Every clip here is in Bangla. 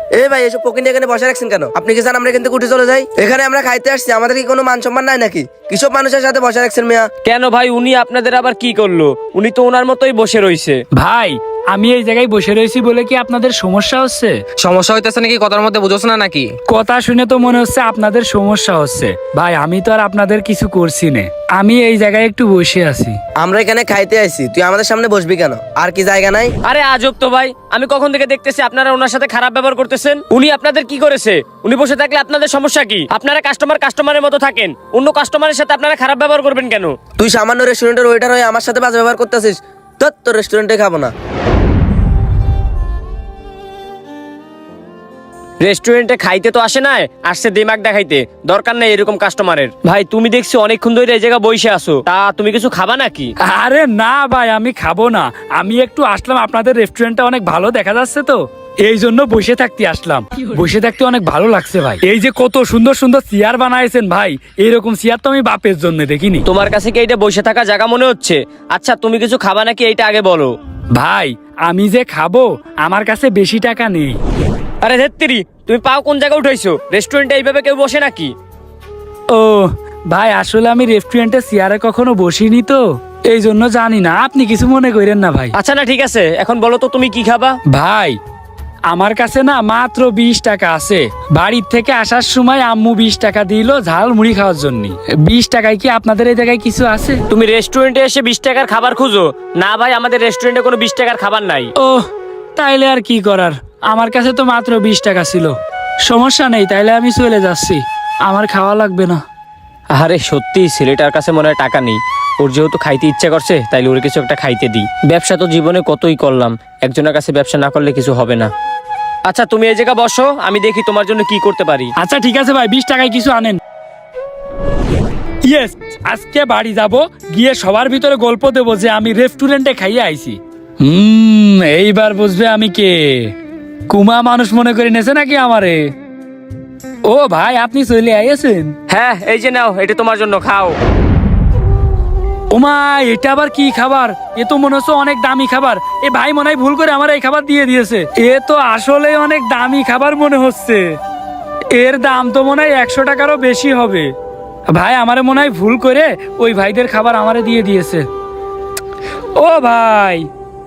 এ ভাই এসব পকিনি এখানে বসে রাখছেন কেন? আপনি কি চান আমরা এখান থেকে উঠে চলে যাই? এখানে আমরা খাইতে আসছি, আমাদের কি কোনো মান সম্মান নাই নাকি? কিসব মানুষের সাথে বসে রাখছেন মিয়া? কেন ভাই, উনি আপনাদের আবার কি করলো? উনি তো ওনার মতোই বসে রইছে। ভাই আমি এই জায়গায় বসে রয়েছি বলে কি আপনাদের সমস্যা হচ্ছে? সমস্যা হইতেছে নাকি? কথার মধ্যে বুঝোস না নাকি? কথা শুনে তো মনে হচ্ছে আপনাদের সমস্যা হচ্ছে। ভাই আমি তো আর আপনাদের কিছু করছি না, আমি এই জায়গায় একটু বসে আছি। আমরা এখানে খাইতে আসছি, তুই আমাদের সামনে বসবি কেন? আর কি জায়গা নাই? আরে আজব তো ভাই, আমি কখন থেকে দেখতেছি আপনারা ওনার সাথে খারাপ ব্যবহার করতেছেন। উনি আপনাদের কি করেছে? উনি বসে থাকলে আপনাদের সমস্যা কি? আপনারা কাস্টমারের মতো থাকেন, অন্য কাস্টমারের সাথে আপনারা খারাপ ব্যবহার করবেন কেন? তুই সামান্য রেস্টুরেন্টের ওয়েটার হয়ে আমার সাথে বাজে ব্যবহার করতেছিস। তোর রেস্টুরেন্টে খাবো না। রেস্টুরেন্টে খাইতে তো আসে না, আসছে দিমাগ দেখাইতে। দরকার নেই এরকম কাস্টমারের। ভাই তুমি দেখছি অনেকক্ষণ ধরে এই জায়গা বসে আছো, তা তুমি কিছু খাবা নাকি? আরে না ভাই আমি খাবো না, আমি একটু আসলাম, আপনাদের রেস্টুরেন্টটা অনেক ভালো দেখা যাচ্ছে তো এই জন্য বসে থাকতে আসলাম। বসে থাকতে অনেক ভালো লাগছে ভাই। এই যে কত সুন্দর সুন্দর চেয়ার বানাইছেন ভাই, এইরকম চেয়ার তো আমি বাপের জন্য দেখিনি। তোমার কাছে কি এইটা বসে থাকা জায়গা মনে হচ্ছে? আচ্ছা তুমি কিছু খাবা নাকি এইটা আগে বলো। ভাই আমি যে খাবো, আমার কাছে বেশি টাকা নেই। আরে ধেত্তেরি, তুমি পাও কোন জায়গায় উঠাইছো? রেস্টুরেন্টে এইভাবে কেউ বসে নাকি? ও ভাই আসলে আমি রেস্টুরেন্টে চেয়ারে কখনো বসিনি তো এই জন্য জানি না, আপনি কিছু মনে করেন না ভাই। আচ্ছা না ঠিক আছে, এখন বলো তো তুমি কি খাবা? ভাই আমার কাছে না মাত্র 20 টাকা আছে। বাড়ির থেকে আসার সময় আম্মু 20 টাকা দিল ঝাল মুড়ি খাওয়ার জন্য। 20 টাকায় কি আপনাদের এই জায়গায় কিছু আছে? তুমি রেস্টুরেন্টে এসে 20 টাকার খাবার খুঁজো? না ভাই, আমাদের রেস্টুরেন্টে কোনো 20 টাকার খাবার নাই। ও তাইলে আর কি করার, আমার কাছে তো মাত্র 20 টাকা ছিল। সমস্যা নেই, তাইলে আমি চলে যাচ্ছি, আমার খাওয়া লাগবে না। আরে সত্যি ছেলেটার কাছে মনে হয় টাকা নেই। ওর যেহেতু খাইতে ইচ্ছা করছে, তাইলে ওর কিছু একটা খাইতে দিই। ব্যবসা তো জীবনে কতই করলাম, একজনের কাছে ব্যবসা না করলে কিছু হবে না। আচ্ছা তুমি এই জায়গা বসো, আমি দেখি তোমার জন্য কি করতে পারি। আচ্ছা ঠিক আছে ভাই, 20 টাকায় কিছু আনেন। ইয়েস, আজকে বাড়ি যাব, গিয়ে সবার ভিতরে গল্প দেবো যে আমি রেস্টুরেন্টে খাইয়ে আইছি। এইবার বুঝবে আমি কে। কুমা মানুষ মনে করে নেছে নাকি আমারে? ও ভাই আপনি চলে আইয়েছেন? হ্যাঁ এই যে নাও, এটা তোমার জন্য, খাও। ওমা এটা আবার কি খাবার? এ তো মনে হচ্ছে অনেক দামি খাবার। এ ভাই মনে হয় ভুল করে আমার এই খাবার দিয়ে দিয়েছে। এ তো আসলে অনেক দামি খাবার মনে হচ্ছে, এর দাম তো মনে হয় 100 টাকারও বেশি হবে। ভাই আমারে মনে হয় ভুল করে ওই ভাইদের খাবার আমারে দিয়ে দিয়েছে। ও ভাই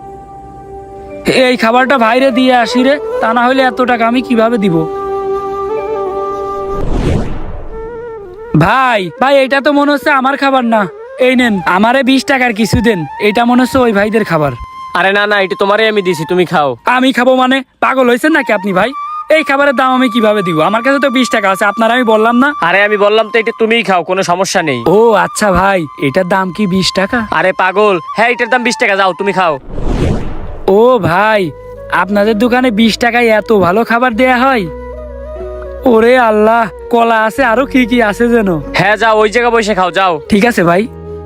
এই খাবারটা ভাইরে দিয়ে আসি রে, তা না হলে এত টাকা আমি কিভাবে দিব? ভাই ভাই এটা তো মনে হচ্ছে আমার খাবার না, এই নেন আমারে 20 টাকার কিছু দেন, এটা মনে হচ্ছে ওই ভাইদের খাবার। আরে না না, এটা তোমারই আমি দিছি, তুমি খাও। আমি খাবো মানে? পাগল হয়েছেন নাকি আপনি ভাই? এই খাবারের দাম আমি কিভাবে দিব? আমার কাছে তো 20 টাকা আছে, আপনার আমি বললাম না? আরে আমি বললাম তো এটা তুমিই খাও, কোনো সমস্যা নেই। ও আচ্ছা ভাই, এটার দাম কি 20 টাকা? আরে পাগল, হ্যাঁ এটার দাম 20 টাকা, যাও তুমি খাও। ও ভাই আপনাদের দোকানে 20 টাকায় এত ভালো খাবার দেয়া হয়? ওরে আল্লাহ, কলা আছে আরো কি কি আছে যেন। হ্যাঁ যাও, ওই জায়গা বসে খাও, যাও। ঠিক আছে ভাই।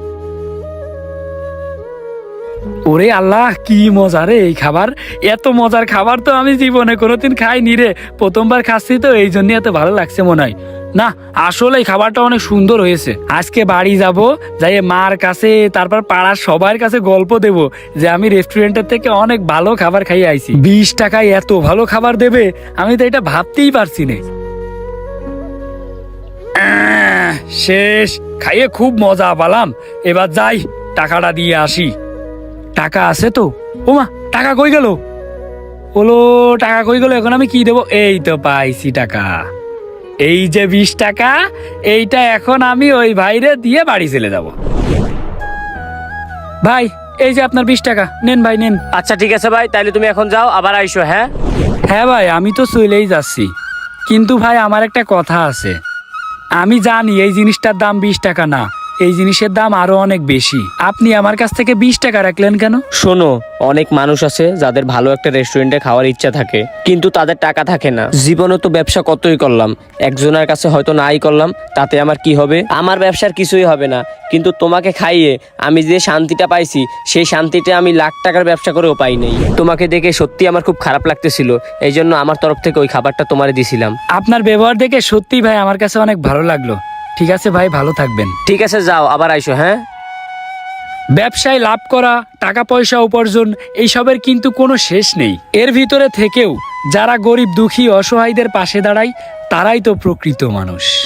ওরে আল্লাহ কি মজা রে এই খাবার, এত মজার খাবার তো আমি জীবনে কোনোদিন খাইনি রে, প্রথমবার খাচ্ছি তো এই জন্য এত ভালো লাগছে মনে হয়। না আসলে এই খাবারটা অনেক সুন্দর হয়েছে। আজকে বাড়ি যাব, যাই মার কাছে তারপর পাড়ার সবার কাছে গল্প দেব যে আমি রেস্টুরেন্টের থেকে অনেক ভালো খাবার খাইয়ে আইছি। 20 টাকায় এত ভালো খাবার দেবে আমি তো এটা ভাবতেই পারছি না। শেষ, খাইয়ে খুব মজা পেলাম, এবার যাই টাকাটা দিয়ে আসি। টাকা আছে তো? ওমা টাকা কই গেল? ওলো টাকা কই গেল, এখন আমি কি দেবো? এই তো পাইছি টাকা, এই যে 20 টাকা, এইটা এখন আমি ওই ভাইরে দিয়ে বাড়ি চলে যাব। ভাই এই যে আপনার 20 টাকা নেন ভাই নেন। আচ্ছা ঠিক আছে ভাই, তাহলে তুমি এখন যাও, আবার আইসো। হ্যাঁ হ্যাঁ ভাই আমি তো চলেই যাচ্ছি, কিন্তু ভাই আমার একটা কথা আছে। আমি জানি এই জিনিসটার দাম 20 টাকা না, এই জিনিসের দাম আরো অনেক বেশি। আপনি আমার কাছ থেকে 20 টাকা রাখলেন কেন? শোনো, অনেক মানুষ আছে যাদের ভালো একটা রেস্টুরেন্টে খাওয়ার ইচ্ছা থাকে, কিন্তু তাদের টাকা থাকে না। জীবনে তো ব্যবসা কতই করলাম, একজনের কাছে হয়তো নাই করলাম, তাতে আমার কি হবে? আমার ব্যবসার কিছুই হবে না, কিন্তু তোমাকে খাইয়ে আমি যে শান্তিটা পাইছি, সেই শান্তিটা আমি লাখ টাকার ব্যবসা করেও পাই নাই। তোমাকে দেখে সত্যি আমার খুব খারাপ লাগতেছিল, এই জন্য আমার তরফ থেকে ওই খাবারটা তোমারে দিছিলাম। আপনার ব্যবহার দেখে সত্যি ভাই আমার কাছে অনেক ভালো লাগলো। ঠিক আছে ভাই, ভালো থাকবেন। ঠিক আছে যাও, আবার আইসো। হ্যাঁ ব্যবসায় লাভ করা, টাকা পয়সা উপার্জন, এইসবের কিন্তু কোনো শেষ নেই। এর ভিতরে থেকেও যারা গরিব দুঃখী অসহায়দের পাশে দাঁড়ায় তারাই তো প্রকৃত মানুষ।